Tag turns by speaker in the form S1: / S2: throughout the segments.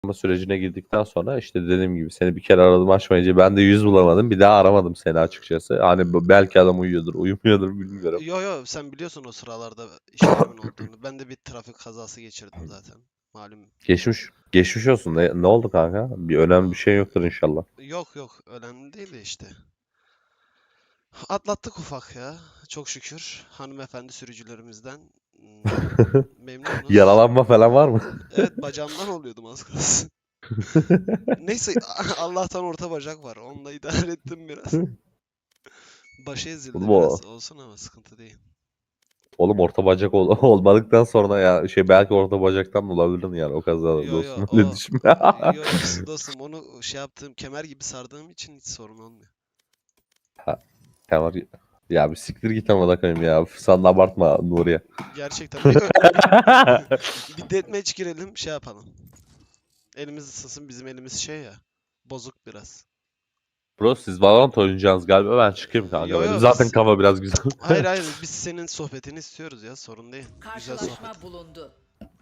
S1: sürecine girdikten sonra işte dediğim gibi seni bir kere aradım açmayınca ben de yüz bulamadım. Bir daha aramadım seni açıkçası. Hani belki adam uyuyordur, uyumuyordur bilmiyorum.
S2: Yo yo, sen biliyorsun o sıralarda işlerimin olduğunu. Ben de bir trafik kazası geçirdim zaten. Malum.
S1: Geçmiş olsun. Ne oldu kanka? Bir önemli bir şey yoktur inşallah.
S2: Yok yok, önemli değil de işte. Atlattık ufak ya. Çok şükür. Hanımefendi sürücülerimizden memnunuz.
S1: Yaralanma falan var mı?
S2: Evet, bacağımdan oluyordum az kalsın. Neyse, Allah'tan orta bacak var. Onunla idare ettim biraz. Başı ezildi
S1: Oğlum, o,
S2: biraz. Olsun ama sıkıntı değil.
S1: oğlum orta bacak olmadıktan sonra ya belki orta bacaktan da olabilir yani o kazada
S2: Yo yo,
S1: dostum öyle
S2: o
S1: düşünme.
S2: yo dostum, onu şey yaptığım, kemer gibi sardığım için hiç sorun olmuyor.
S1: Ha, tamam. Ya bir siktir git ama da koyayım ya. Sen de abartma Nuriye.
S2: Gerçekten bir deathmatch girelim, şey yapalım. Elimiz ısınsın, bizim elimiz şey ya. Bozuk biraz.
S1: Bro siz Valorant oynayacaksınız galiba ben çıkayım kanka.
S2: Yo
S1: Benim
S2: yo,
S1: zaten
S2: biz
S1: kafa biraz güzel.
S2: hayır hayır, biz senin sohbetini istiyoruz ya, sorun değil. Güzel sohbet.
S3: Karşılaşma bulundu.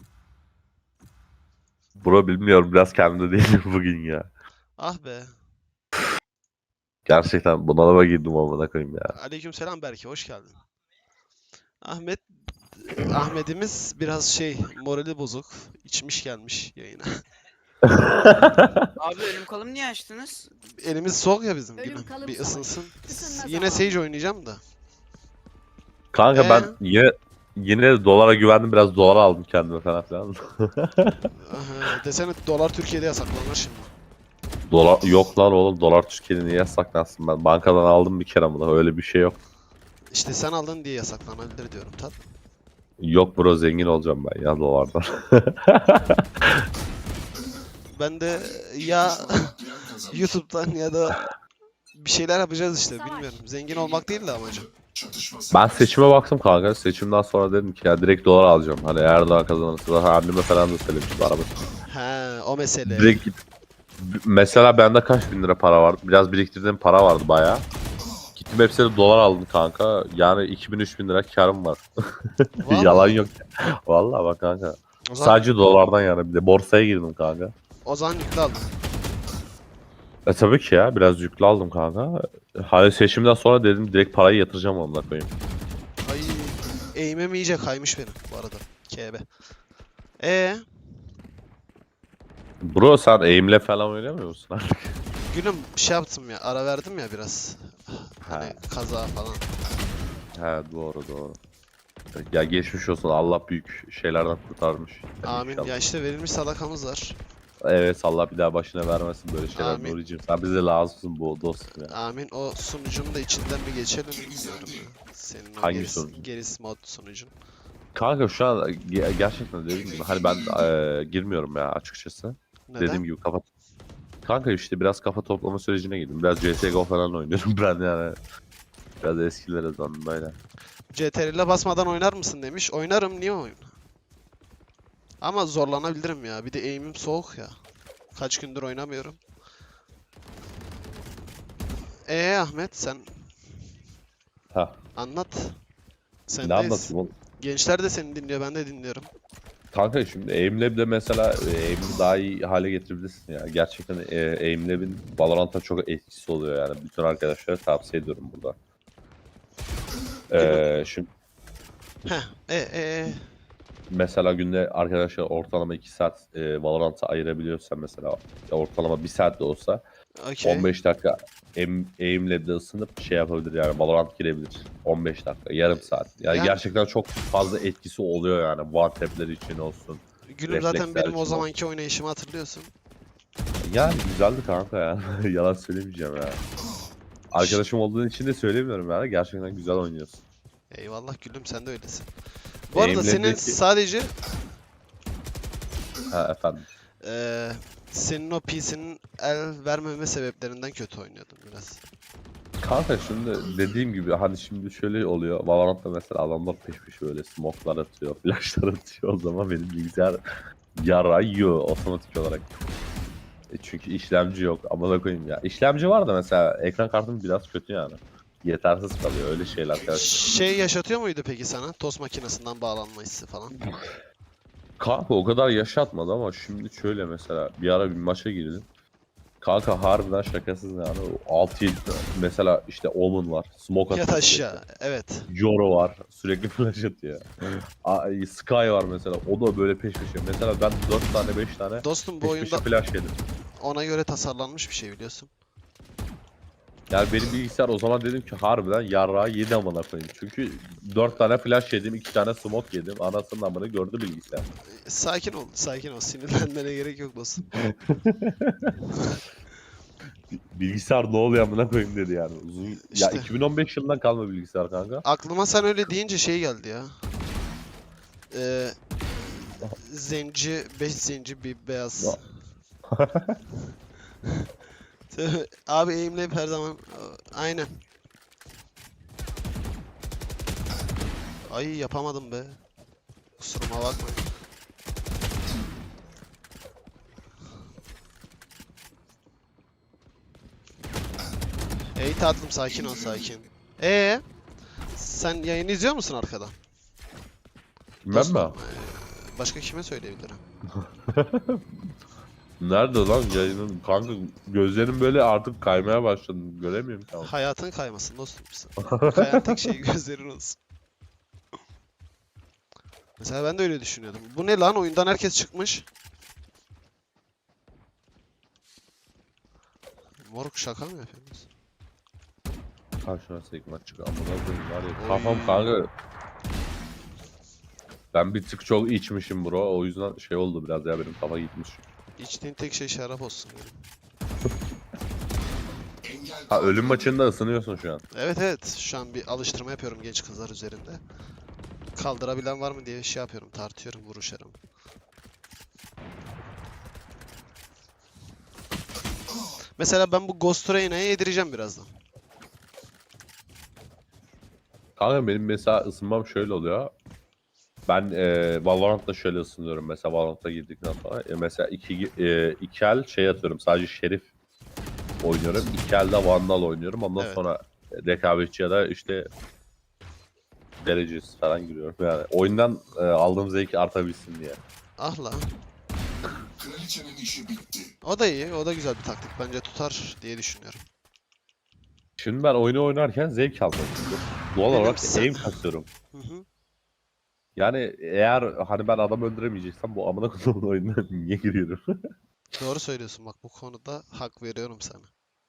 S1: Bro bilmiyorum biraz kendimde değilim bugün ya.
S2: Ah be.
S1: Gerçekten bunalıma girdim amına koyayım ya.
S2: Aleykümselam Berke, hoş geldin. Ahmet Ahmet'imiz biraz şey, morali bozuk. İçmiş gelmiş yayına.
S4: Abi ölüm kolum niye açtınız?
S2: Elimiz soğuk ya bizim
S3: Ölüm
S2: gülüm.
S3: kalım
S2: Bir
S3: savaşı.
S2: ısınsın.
S3: Isınma
S2: Yine
S3: zamanı.
S2: Sage oynayacağım da.
S1: Kanka ben
S2: Ee?
S1: yine de dolara güvendim biraz dolar aldım kendime falan filan.
S2: Aha, desene dolar Türkiye'de yasaklanır şimdi.
S1: Dolar yok lan oğlum dolar Türkiye'de niye yasaklansın ben bankadan aldım bir kere bunu öyle bir şey yok.
S2: İşte sen aldın diye yasaklanabilir diyorum tat.
S1: Yok bro zengin olacağım ben ya dolardan.
S2: Ben de ya YouTube'dan ya da bir şeyler yapacağız işte, bilmiyorum. Zengin olmak değil de amacım.
S1: Ben seçime baktım kanka. Seçimden sonra dedim ki ya direkt dolar alacağım. Hani Erdoğan kazanırsa da anneme falan da söylemiştim araba.
S2: He, o mesele.
S1: Direkt mesela bende kaç bin lira para vardı? Biraz biriktirdiğim para vardı bayağı. Gittim hepsini dolar aldım kanka. Yani 2000-3000 lira karım var. Yalan
S2: Vallahi.
S1: yok. Vallahi bak kanka.
S2: O zaman,
S1: Sadece dolardan yani bir de borsaya girdim kanka.
S2: o zaman yüklü aldım.
S1: Tabii ki ya biraz yüklü aldım kanka. Hani seçimden sonra dedim direkt parayı yatıracağım onunla koyayım.
S2: Ay, eğimim iyice kaymış benim bu arada. KB. E
S1: Bro sen aim'le falan oynamıyor musun artık?
S2: gülüm, şey yaptım ya, ara verdim ya biraz. Hani
S1: Ha.
S2: kaza falan.
S1: He doğru. Ya geçmiş olsun Allah büyük şeylerden kurtarmış. Yani
S2: Amin.
S1: inşallah.
S2: Ya işte verilmiş sadakamız var.
S1: Evet Allah bir daha başına vermesin böyle şeyler
S2: Amin.
S1: Nuri'cim. Sen bize lazımsın bu dostum ya.
S2: Amin. O sunucunun da içinden bir geçelim diyorum ya. Senin o
S1: Hangi sunucu?
S2: gerisi mod sunucun.
S1: Kanka şu an gerçekten dediğim gibi hani ben girmiyorum ya açıkçası.
S2: Neden?
S1: Dediğim gibi kafa. Kanka işte biraz kafa toplama sürecine girdim. Biraz CSGO falan oynuyorum ben yani. Biraz eskilere döndüm böyle.
S2: CTRL'e basmadan oynar mısın demiş. Oynarım, niye oyun? Ama zorlanabilirim ya. Bir de aim'im soğuk ya. Kaç gündür oynamıyorum. Ahmet, sen
S1: Ha.
S2: anlat.
S1: Ne
S2: Sendeyiz.
S1: anlatayım oğlum?
S2: Gençler de seni dinliyor, ben de dinliyorum.
S1: Kanka şimdi Aimlab'de mesela Aim'i daha iyi hale getirebilirsin ya. Gerçekten Aimlab'in Valorant'a çok etkisi oluyor yani. Bütün arkadaşlara tavsiye ediyorum burada. Şimdi
S2: Heh,
S1: mesela günde arkadaşlar ortalama 2 saat Valorant'a ayırabiliyorsan mesela ortalama 1 saat de olsa
S2: okey.
S1: 15 dakika Aimlab'de ısınıp şey yapabilir yani Valorant girebilir. 15 dakika, yarım saat. Yani, gerçekten çok fazla etkisi oluyor yani. One tap'ler için olsun.
S2: Gülüm, zaten
S1: Refleksler
S2: benim o
S1: için
S2: zamanki oynayışımı hatırlıyorsun.
S1: Yani güzeldi kanka ya. Yalan söylemeyeceğim ya. Arkadaşım olduğun için de söylemiyorum yani. Gerçekten güzel oynuyorsun.
S2: Eyvallah gülüm, sen de öylesin. Bu arada senin
S1: Aim'lerdeki...
S2: sadece
S1: Ha efendim.
S2: eee, senin o PC'nin el vermeme sebeplerinden kötü oynuyordun biraz.
S1: Kanka şimdi dediğim gibi hani şimdi şöyle oluyor. Valorant'ta mesela adamlar peş peşe böyle smoke'lar atıyor, flash'lar atıyor. O zaman benim bilgisayar yarayıyor otomatik olarak. Çünkü işlemci yok. Amına koyayım ya. İşlemci var da mesela ekran kartım biraz kötü yani. Yetersiz kalıyor öyle şeyler.
S2: Şey yaşatıyor muydu peki sana? Tost makinesinden bağlanma hissi falan.
S1: Kanka o kadar yaşatmadı ama şimdi şöyle mesela bir ara bir maça girdim. Kanka harbiden şakasız yani. 6-7 mesela işte Omen var. Smoke
S2: Yat
S1: atıyor
S2: aşağı.
S1: sürekli.
S2: Evet.
S1: Joro var. Sürekli flash atıyor. Sky var mesela. O da böyle peş peşe. Mesela ben 4 tane 5 tane
S2: Dostum bu
S1: peş
S2: oyunda
S1: peşe flash yedim.
S2: ona göre tasarlanmış bir şey biliyorsun.
S1: Yani benim bilgisayar o zaman dedim ki harbiden yarrağı yedi amına koyayım. Çünkü 4 tane flash yedim, 2 tane smoke yedim. Anasının amını gördü bilgisayar.
S2: Sakin ol, sakin ol. Sinirlenmene gerek yok dostum.
S1: Bilgisayar ne oluyor amına koyayım dedi yani. Uzun ya
S2: İşte
S1: 2015 yılından kalma bilgisayar kanka.
S2: aklıma sen öyle deyince şey geldi ya. Ee, zenci, 5 zenci bir beyaz. Abi aimleyip her zaman aynen. Ay yapamadım be. Kusuruma bakmayın. Ey tatlım sakin ol sakin. Sen yayını izliyor musun arkadan?
S1: Ben
S2: Dostum,
S1: mi?
S2: başka kime söyleyebilirim?
S1: Nerede lan yayının? Kanka gözlerim böyle artık kaymaya başladı. Göremiyorum tamam.
S2: Hayatın kaymasın dostum. Kayan tek şey gözlerin olsun. Mesela ben de öyle düşünüyordum. Bu ne lan? Oyundan herkes çıkmış. Moruk şaka mı yapıyorsunuz?
S1: Karşına sekmek çık amına koyayım var ya.
S2: Oy.
S1: Kafam kanka. Ben bir tık çok içmişim bro. O yüzden şey oldu biraz ya benim kafa gitmiş.
S2: İçtiğin tek şey şarap olsun benim.
S1: Ha ölüm maçında ısınıyorsun şu an.
S2: Evet evet. Şu an bir alıştırma yapıyorum genç kızlar üzerinde. Kaldırabilen var mı diye şey yapıyorum. Tartıyorum vuruşlarımı. Mesela ben bu Ghost Reyna'ya yedireceğim birazdan.
S1: Kanka benim mesela ısınmam şöyle oluyor. Ben Valorant'ta şöyle ısınıyorum mesela Valorant'a girdikten sonra. Mesela iki el şey atıyorum sadece Şerif oynuyorum. İki elde Vandal oynuyorum. Ondan
S2: Evet.
S1: sonra rekabetçi ya da işte derecesi falan giriyorum. Yani oyundan aldığım zevk artabilsin diye.
S2: Ah lan.
S3: Kraliçenin işi bitti.
S2: O da iyi. O da güzel bir taktik. Bence tutar diye düşünüyorum.
S1: Şimdi ben oyunu oynarken zevk almak istiyorum. Doğal
S2: Benim
S1: olarak
S2: sen-
S1: aim kasıyorum.
S2: Hı hı.
S1: Yani eğer hani ben adam öldüremeyeceksem bu amına koyduğum oyuna niye giriyorum?
S2: Doğru söylüyorsun bak bu konuda hak veriyorum sana.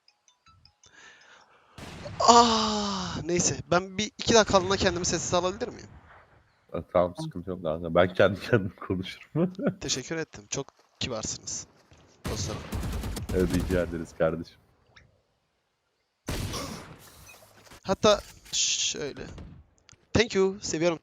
S2: Neyse ben bir 2 dakikalığına kendimi sessiz alabilir miyim?
S1: Tamam sıkıntı yok kanka. Ben kendi kendime konuşurum.
S2: Teşekkür ettim. Çok kibarsınız. Dostlarım.
S1: Evet rica ederiz kardeşim.
S2: Hatta şöyle. Thank you. Seviyorum.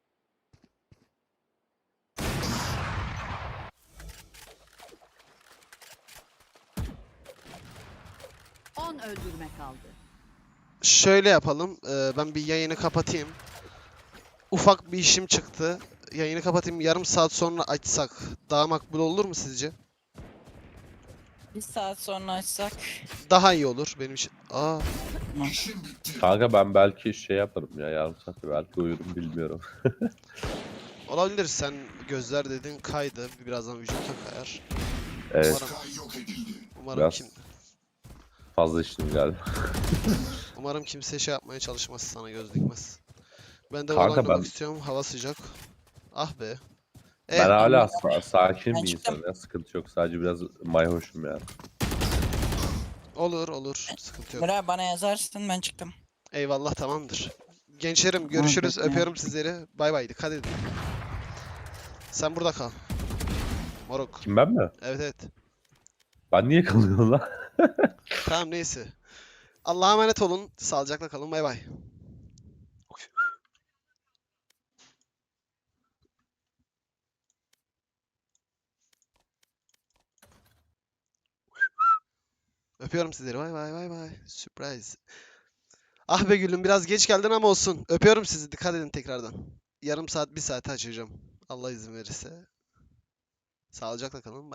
S5: On öldürme kaldı.
S2: Şöyle yapalım. Ben bir yayını kapatayım. Ufak bir işim çıktı. Yayını kapatayım. Yarım saat sonra açsak daha makbul olur mu sizce?
S4: Bir saat sonra açsak.
S2: Daha iyi olur benim için.
S3: İşin bitti.
S1: Kanka ben belki şey yaparım ya yarım saatte belki uyurum bilmiyorum.
S2: Olabilir. Sen gözler dedin kaydı. Birazdan vücuta kayar.
S1: Evet
S2: Umarım,
S3: Sky yok edildi.
S2: umarım
S1: biraz
S2: kim
S1: fazla içtim galiba.
S2: umarım kimse şey yapmaya çalışmaz sana göz dikmez. Ben de
S1: Kanka
S2: oynamak
S1: ben-
S2: istiyorum. Hava sıcak. Ah be.
S1: Ben hala sakin
S4: Ben
S1: bir
S4: çıktım.
S1: insanım ya sıkıntı yok sadece biraz mayhoşum yani.
S2: Olur olur. Sıkıntı yok.
S4: Bırak bana yazarsın ben çıktım.
S2: Eyvallah tamamdır. Gençlerim görüşürüz.
S4: bekliyorum.
S2: Öpüyorum sizleri. Bay bay. Dikkat edin. Sen burada kal. Moruk.
S1: Kim ben mi?
S2: Evet evet.
S1: Ben niye kalıyorum lan?
S2: Tamam neyse. Allah'a emanet olun. Sağlıcakla kalın. Bay bay. Öpüyorum sizleri. Bay bay bay bay. Surprise. Ah be gülüm biraz geç geldin ama olsun. Öpüyorum sizi. Dikkat edin tekrardan. Yarım saat, bir saate açacağım. Allah izin verirse. Sağlıcakla kalın.